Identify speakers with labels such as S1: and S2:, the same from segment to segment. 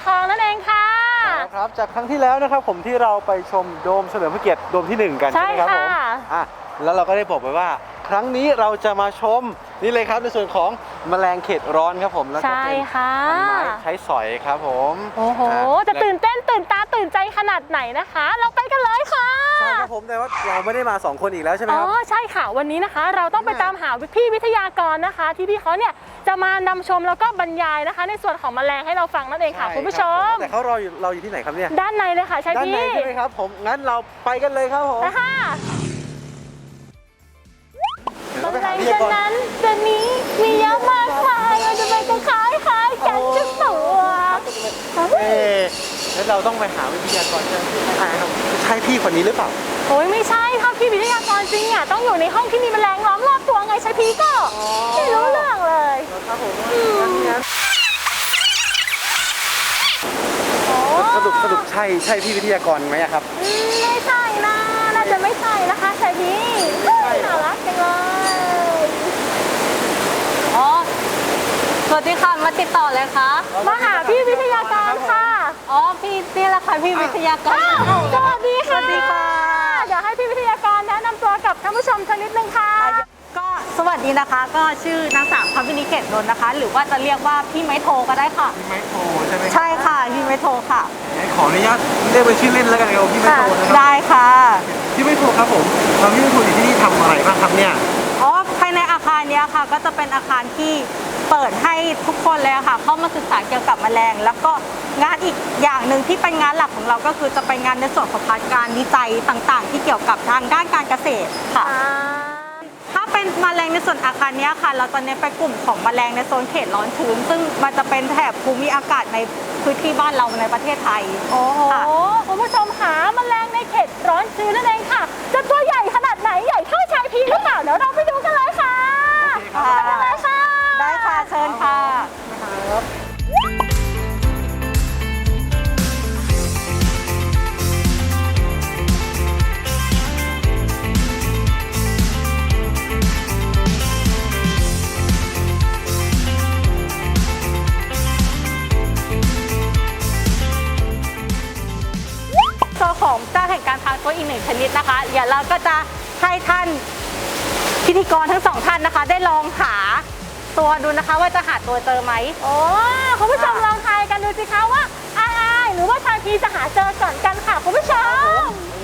S1: ทองนั่นเองค่ะ
S2: ครับจากครั้งที่แล้วนะครับผมที่เราไปชมโดมเฉลิมพระเกียรติโดมที่1กันใช่ไหมครับผมแล้วเราก็ได้บอกไปว่าครั้งนี้เราจะมาชมนี่เลยครับในส่วนของแมลงเขตร้อนครับผมแล้วก็เป็นพันไม้ใช้สอยครับผม
S1: โอ้โหจะตื่นเต้นตื่นตาตื่นใจขนาดไหนนะคะเราไปกันเลยค่ะ
S2: ใช่ครับผมแต่ว่าเราไม่ได้มา2คนอีกแล้วใช่ไหมครับ
S1: ใช่ค่ะวันนี้นะคะเราต้องไปตามหาพี่วิทยากรนะคะที่พี่เขาเนี่ยจะมานำชมแล้วก็บรรยายนะคะในส่วนของแมลงให้เราฟังนั่นเองค่ะคุณผู้ชม
S2: แต่เขาเราอยู่ที่ไหนครับเนี่ย
S1: ด้านในเลยค่ะใช่พี่
S2: ด้านในใช่ไหมครับผมงั้นเราไปกันเลยครับผม
S1: นะคะแมลงชนั้นจะนี้มีเยอะมากมายเราจะไปกันคล้ายกันทุกตัว
S2: แล้วเราต้องไปหาวิทยากรใช่พี่คนนี้หรือเปล่า
S1: โอ้ยไม่ใช่ค่ะพี่วิทยากรจริงอ่ะต้องอยู่ในห้องที่มีแมลงล้อมรอบตัวไงใช่พี่ก็ไม่รู้เรื่องเลย
S2: ครับผมสรุปใช่พี่วิทยากรไหมครับ
S1: ไม่ใช่นะน่าจะไม่ใช่นะคะใช่พี่น่ารักจังเลย
S3: สวัสดีค่ะมาติดต่อเลยค่ะ
S1: มาหาพี่วิทยากรค่ะ
S3: พี่นี่แหละค่ะพี่วิทยากร
S1: สวัสดีค่ะเดี๋ยวให้พี่วิทยากรแนะนำตัวกับท่านผู้ชมสักนิดนึงค่ะ
S3: ก็สวัสดีนะคะก็ชื่อนางสาวพวินิเกตนนท์นะคะหรือว่าจะเรียกว่าพี่ไม้โทก็ได้ค่ะ
S2: พี่ไม้โทใช่ไหม
S3: ใช่ค่ะพี่ไม้โทค่ะ
S2: ขออนุญาตเรียกเป็นชื่อเล่นแล้วกันครับพี่ไม้โทนะครับ
S3: ได้ค่ะ
S2: พี่ไม้โทครับผมพี่ไม้โทอยู่ที่นี่ทำอะไรบ้างครับเนี่ย
S3: ภายในอาคารนี้ค่ะก็จะเป็นอาคารที่เปิดให้ทุกคนเลยค่ะเข้ามาศึกษาเกี่ยวกับแมลงแล้วก็งานอีกอย่างหนึ่งที่เป็นงานหลักของเราก็คือจะเป็นงานในส่วนของพาร์ทการวิจัยต่างๆที่เกี่ยวกับทางด้านการเกษตรค่ะถ้าเป็นแมลงในส่วนอาคารนี้ค่ะเราจะเน้นไปกลุ่มของแมลงในโซนเขตร้อนชื้นซึ่งมันจะเป็นแถบภูมิอากาศในพื้นที่บ้านเราในประเทศไทย
S1: โอ้โหคุณผู้ชมหาแมลงในเขตร้อนชื้นนั่นเองค่ะจะตัวใหญ่ขนาดไหนใหญ่เท่าชายพีหรือเปล่าเดี๋ยวเราไปดูกันเลยค่ะไปกันเลยค่ะ
S3: ได้ค่ะเชิญค่ะของเจ้าแห่งการทางตัวอีก1ชนิดนะคะเดี๋ยวเราก็จะให้ท่านพิธีกรทั้ง2ท่านนะคะได้ลองหาตัวดูนะคะว่าจะหาตัวเจอไหม
S1: คุณผู้ชมลองทายกันดูสิคะว่าหรือว่าชายพีจะหาเจอก่อนกันค่ะคุณผู้ชม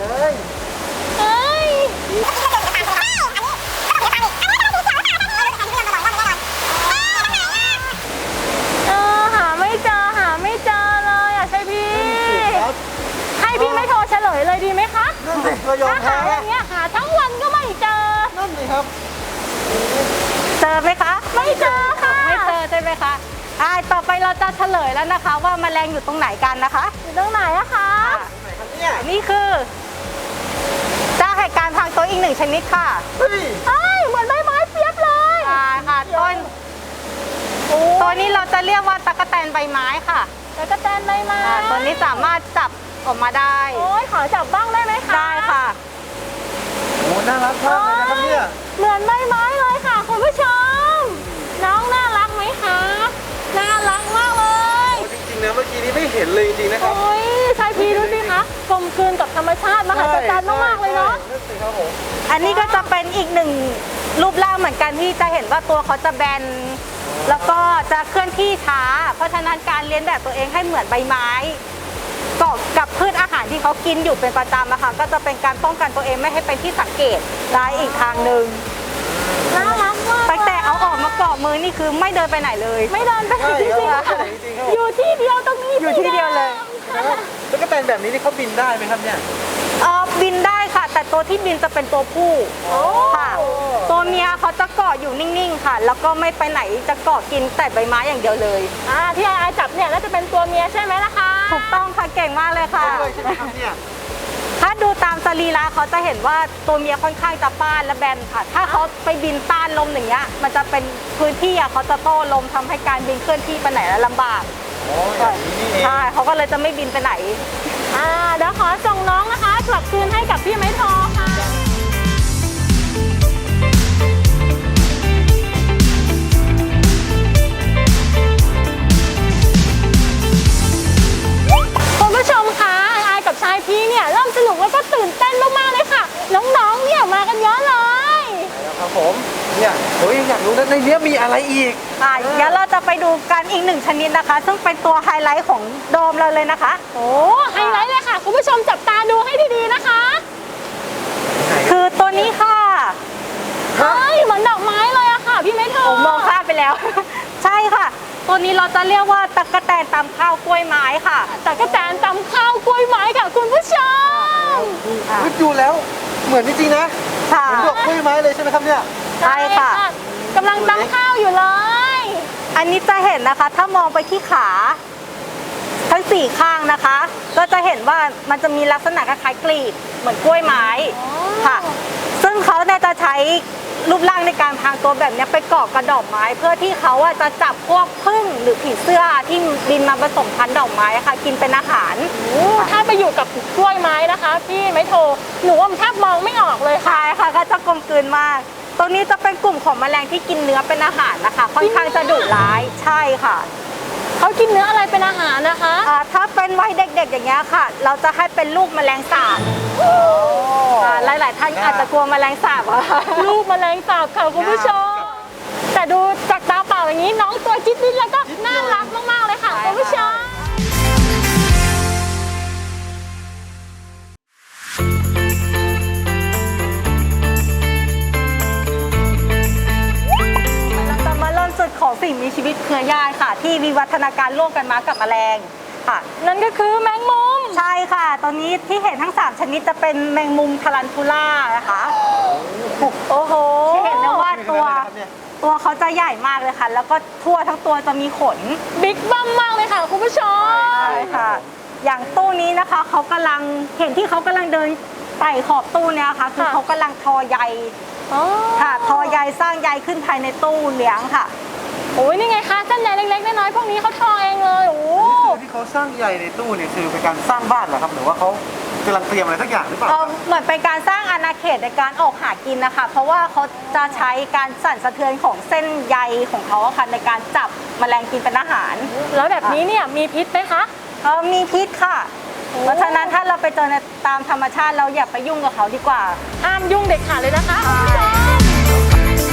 S1: เลยดีไหมคะถ้าหาอย่างเงี้ยหาทั้งวันก็ไม่เจอ
S2: นั่นสิครับ
S3: เจอไหมคะ
S1: ไม่เจอค่ะ
S3: ไม่เจอใช่ไหมคะต่อไปเราจะเฉลยแล้วนะคะว่าแมลงอยู่ตรงไหนกันนะคะ
S1: อยู่ตรงไหนอะคะ
S3: นี่คือเจ้าแห่งการทางตัวอีก1ชนิดค่ะ
S1: เหมือนใบไม้เปียบเลย
S3: ค่ะตัวนี้เราจะเรียกว่าตั๊กแตนใบไม้ค่ะ
S1: ตั๊กแตนใบไม้
S3: ตัวนี้สามารถจับออกมาได้
S1: ขอจับบ้างได้ไหมคะ
S3: ได้ค่ะ
S2: โอ้น่ารักมากเลยนะครับเนี่ย
S1: เหมือนใบไม้เลยค่ะคุณผู้ชมน้องน่ารักไหมคะน่ารักมากเลย
S2: จริงๆนะเมื่อกี้นี้ไม่เห็นเลยจริงๆนะครับ
S1: ชายพีดูสิคะกลมกลืนกับธรรมชาติมหัศจรรย์มากๆเลยเนาะ
S3: อันนี้ก็จะเป็นอีก1รูปร่างเหมือนกันที่จะเห็นว่าตัวเขาจะแบนแล้วก็จะเคลื่อนที่ช้าเพราะฉะนั้นการเลียนแบบตัวเองให้เหมือนใบไม้กับพืชอาหารที่เขากินอยู่เป็นประจำนะคะก็จะเป็นการป้องกันตัวเองไม่ให้เป็นที่สังเกตได้อีกทางหนึ่ง
S1: น่ารักมาก
S3: แต่เอาออกมาเกาะมือนี่คือไม่เดินไปไหนเลย
S1: ไม่เดินไปไหนจริงๆอยู่ที่เดียวตรงนี้
S3: อยู่ที่เดียวเลย
S2: แล้วก็เป็นแบบนี้นี่เขาบินได้ไหมครับเนี่ย
S3: บินได้ค่ะแต่ตัวที่บินจะเป็นตัวผู้ค่ะตัวเมียเขาจะเกาะอยู่นิ่งๆค่ะแล้วก็ไม่ไปไหนจะเกาะกินแต่ใบไม้อย่างเดียวเลย
S1: ที่ไอจับเนี่ยน่าจะเป็นตัวเมียใช่ไหมล่ะคะ
S3: ถูกต้องค่ะเก่งมากเลยค่ะ
S2: ใช่ไหมครับเนี่ย
S3: ถ้าดูตามสรีระเขาจะเห็นว่าตัวเมียค่อนข้างจะป้านและแบนค่ะถ้าเขาไปบินต้านลมอย่างเงี้ยมันจะเป็นพื้นที่เขาจะโต้ลมทำให้การบินเคลื่อนที่ไปไหนแล้วลำบากใช่เขาก็เลยจะไม่บินไปไหน
S1: เดี๋ยวขอส่งน้องนะคะกลับคืนให้กับพี่ไม้ทอค่ะ
S2: เนี่ยเฮ้ยอยากรู้นะในเนี้ยมีอะไรอีก
S3: เดี๋ยวเราจะไปดูกันอีกหนึ่งชนิดนะคะ ซึ่งเป็นตัวไฮไลท์ของโดมเราเลยนะคะ
S1: โอ้ไฮไลท์เลยค่ะ คุณผู้ชมจับตาดูให้ดีๆนะคะ
S3: คือตัวนี้ค่ะ
S1: เฮ้ยเหมือนดอกไม้เลยอะค่ะพี่ไม่เธอ
S3: ผมมองข้ามไปแล้ว ใช่ค่ะ ตัวนี้เราจะเรียกว่าตั๊กแตนตำข้าวกล้วยไม้ค่ะ
S1: แต่กระแตนตำข้าวกล้วยไม้ค่ะคุณผู้ชม
S2: ดูแล้วเหมือนจริงๆนะ
S3: ค่ะ
S2: เหมือนดอกกล้วยไม้เลยใช่ไหมครับเนี่ย
S3: ใช่ค่ะ
S1: กำลังตำข้าวอยู่เลย
S3: อันนี้จะเห็นนะคะ ถ้ามองไปที่ขาทั้ง4ข้างนะคะ ก็จะเห็นว่ามันจะมีลักษณะคล้ายๆกลีบเหมือนกล้วยไม้ค่ะ ซึ่งเขาเนี่ยจะใช้รูปร่างในการพรางตัวแบบเนี้ยไปเกาะกระดอกไม้ เพื่อที่เขาอะจะจับพวกผึ้งหรือผีเสื้อที่บินมาผสมพันธุ์ดอกไม้อะค่ะ กินเป็นอาหาร
S1: ถ้าไปอยู่กับกล้วยไม้นะคะ พี่ไม่โทรหนูว่าแทบมองไม่ออกเลยค่ะ
S3: ใช่ค่ะก็จะกลมกลืนมาก ตัวนี้จะเป็นกลุ่มของแมลงที่กินเนื้อเป็นอาหารนะคะ ค่อนข้างจะดุร้ายใช่ค่ะ
S1: เขากินเนื้ออะไรเป็นอาหารนะคะ
S3: ถ้าเป็นวัยเด็กๆอย่างเงี้ยค่ะ เราจะให้เป็นลูกแมลงสาบหลายๆท่านอาจจะกลัวแมลงสาบอะค่ะ
S1: ลูกแมลงสาบค่ะคุณผู้ชม แต่ดูจากตาเปล่าอย่างนี้น้องตัวจิ๊ดนิดแล้วก็น่ารักมากๆเลยค่ะคุณผู้ชม
S3: เราจะมาเริ่มจุดของสิ่งมีชีวิตเครือญาติค่ะ ที่วิวัฒนาการร่วมกันมากับแมลงค่ะ
S1: นั่นก็คือแมงมุม
S3: ใช่ค่ะ ตอนนี้ที่เห็นทั้ง 3 ชนิดจะเป็นแมงมุมทารันทูล่านะคะ
S1: โอ้โห
S3: ที่เห็นได้ว่าตัวเขาจะใหญ่มากเลยค่ะ แล้วก็ทั่วทั้งตัวจะมีขน
S1: บิ๊กบัมมากเลยค่ะคุณผู้ชม
S3: ใช่ค่ะ อย่างตู้นี้นะคะเขากำลังเห็นที่เขากำลังเดินไต่ขอบตู้เนี่ยค่ะ คือเขากำลังทอใย
S1: อ๋อ
S3: ค่ะทอใยสร้างใยขึ้นภายในตู้เลี้ยงค่ะ
S1: โอ้ยนี่ไงคะเส้นใยเล็กๆน้อยๆพวกนี้เขาทอเองเลยโอ้
S2: ที่เขาสร้างใยในตู้เนี่ยคือเป็นการสร้างบ้านเหรอครับหรือว่าเขากำลังเตรียมอะไรสักอย่างหรือเปล่าครับ
S3: เหมือนเป็นการสร้างอาณาเขตในการออกหากินนะคะ เพราะว่าเขาจะใช้การสั่นสะเทือนของเส้นใยของเขาอะค่ะในการจับแมลงกินเป็นอาหาร
S1: แล้วแบบนี้เนี่ยมีพิษไหมคะ
S3: มีพิษค่ะ เพราะฉะนั้นถ้าเราไปเจอในตามธรรมชาติเราอย่าไปยุ่งกับเขาดีกว่า
S1: ห้ามยุ่งเด็ดขาดเลยนะคะคุณผู้ชม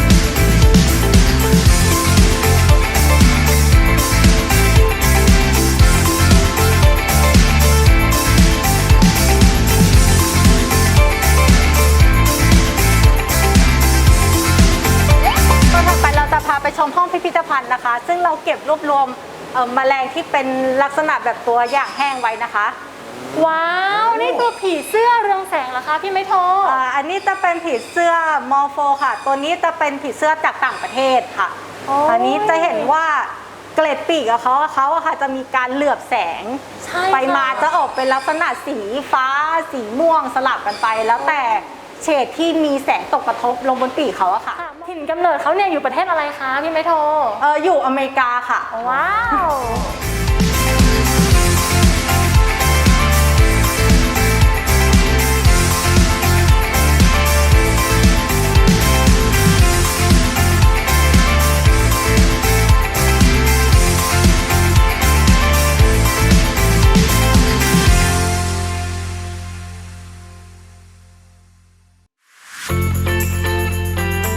S3: ก็ถัดไปเราจะพาไปชมห้องพิพิธภัณฑ์นะคะ ซึ่งเราเก็บรวบรวมแมลงที่เป็นลักษณะแบบตัวอย่างแห้งไว้นะคะ
S1: ว้าวนี่คือผีเสื้อเรืองแสงเหรอคะพี่ไม่โทร
S3: อันนี้จะเป็นผีเสื้อมอร์โฟค่ะ ตัวนี้จะเป็นผีเสื้อจากต่างประเทศค่ะ
S1: โอ้ย
S3: อันนี้จะเห็นว่าเกล็ดปีกของเขาอะค่ะจะมีการเหลือบแสง
S1: ใช่
S3: ไปมา
S1: ค่ะ
S3: จะออกเป็นลักษณะสีฟ้าสีม่วงสลับกันไป แล้วแต่เฉดที่มีแสงตกกระทบลงบนปีกเขาอะค่ะ
S1: ถิ่นกำเนิดเขาเนี่ยอยู่ประเทศอะไรคะพี่ไม่โทร
S3: อยู่อเมริกาค่ะ
S1: ว้าว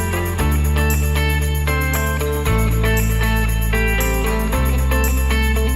S3: ค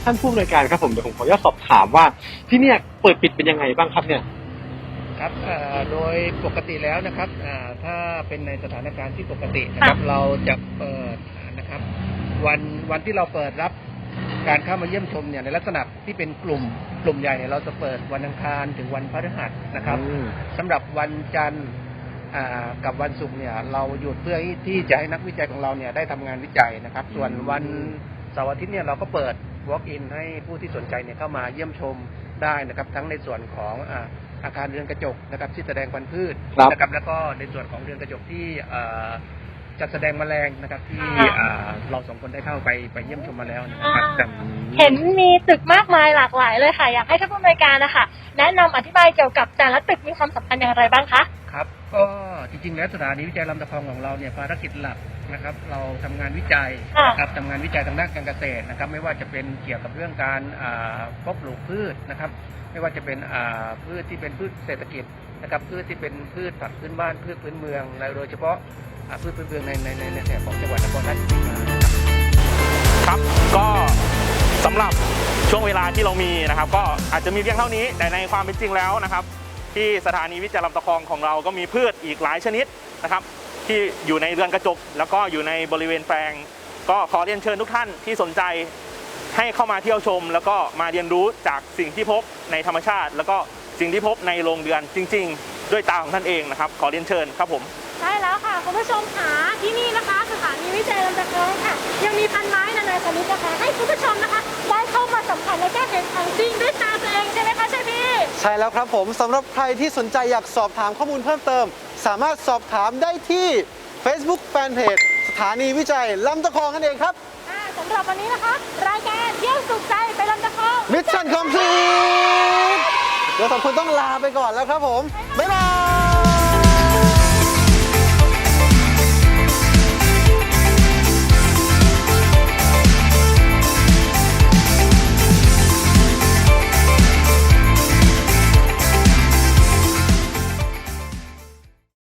S2: ท่านผู้อำนวยการครับผมเดี๋ยวผมขออนุญาตสอบถามว่าที่เนี่ยเปิดปิดเป็นยังไงบ้างครับเนี่ย
S4: ครับโดยปกติแล้วนะครับถ้าเป็นในสถานการณ์ที่ปกตินะครับเราจะเปิดนะครับวันที่เราเปิดรับการเข้ามาเยี่ยมชมเนี่ยในลักษณะที่เป็นกลุ่มใหญ่เนี่ยเราจะเปิดวันอังคารถึงวันพฤหัสนะครับสำหรับวันจันทร์กับวันศุกร์เนี่ยเราหยุดเพื่อที่จะให้นักวิจัยของเราเนี่ยได้ทำงานวิจัยนะครับส่วนวันเสาร์อาทิตย์เนี่ยเราก็เปิด walk in ให้ผู้ที่สนใจเนี่ยเข้ามาเยี่ยมชมได้นะครับทั้งในส่วนของอาคารเรือนกระจกนะครับที่แสดงพันธุ์พืชนะครับแล้วก็ในส่วนของเรือนกระจกที่จัดแสดงแมลงนะครับที่เราสองคนได้เข้าไปเยี่ยมชมมาแล้วนะครับ
S1: เห็นมีตึกมากมายหลากหลายเลยค่ะอยากให้ท่านผู้อำนวยการนะคะแนะนำอธิบายเกี่ยวกับแต่ละตึกมีความสำคัญอย่างไรบ้างคะ
S4: ครับก็จริงๆแล้วสถานีวิจัยลำตะคองของเราเนี่ยภารกิจหลักนะครับเราทำงานวิจัยนะครับทำงานวิจัยทางด้านการเกษตรนะครับไม่ว่าจะเป็นเกี่ยวกับเรื่องการเพาะปลูกพืชนะครับไม่ว่าจะเป็นพืชที่เป็นพืชเศรษฐกิจนะครับพืชที่เป็นพืชผักพื้นบ้านพืชพื้นเมืองและโดยเฉพาะพืชพื้นเมืองในแถบของจังหวัดนครราชสีมา
S5: ครับก็สำหรับช่วงเวลาที่เรามีนะครับก็อาจจะมีเพียงเท่านี้แต่ในความเป็นจริงแล้วนะครับที่สถานีวิจัยลำตะคองของเราก็มีพืชอีกหลายชนิดนะครับที่อยู่ในเรือนกระจกแล้วก็อยู่ในบริเวณแปลงก็ขอเรียนเชิญทุกท่านที่สนใจให้เข้ามาเที่ยวชมแล้วก็มาเรียนรู้จากสิ่งที่พบในธรรมชาติแล้วก็สิ่งที่พบในโรงเรือนจริงๆด้วยตาของท่านเองนะครับขอเรียนเชิญครับผม
S1: ใช่แล้วค่ะคุณผู้ชมค่ะที่นี่นะคะสถานีวิจัยลำตะคองค่ะยังมีพันไม้นานาชนิดนะคะให้คุณผู้ชมนะคะได้เข้ามาสัมผัสและก็เห็นของจริงด้วยตาตัวเองใช่ไหมคะใช่พี่
S2: ใช่แล้วครับผมสำหรับใครที่สนใจอยากสอบถามข้อมูลเพิ่มเติมสามารถสอบถามได้ที่ Facebook Fanpage สถานีวิจัยลำตะคองนั่นเองครับ
S1: สำหรับวันนี้นะคะรายการเที่ยวสุขใจไปลำตะคอง
S2: มิชชั่นคอมพลีทเดี๋ยวสองคนต้องลาไปก่อนแล้วครับผมบ๊ายบาย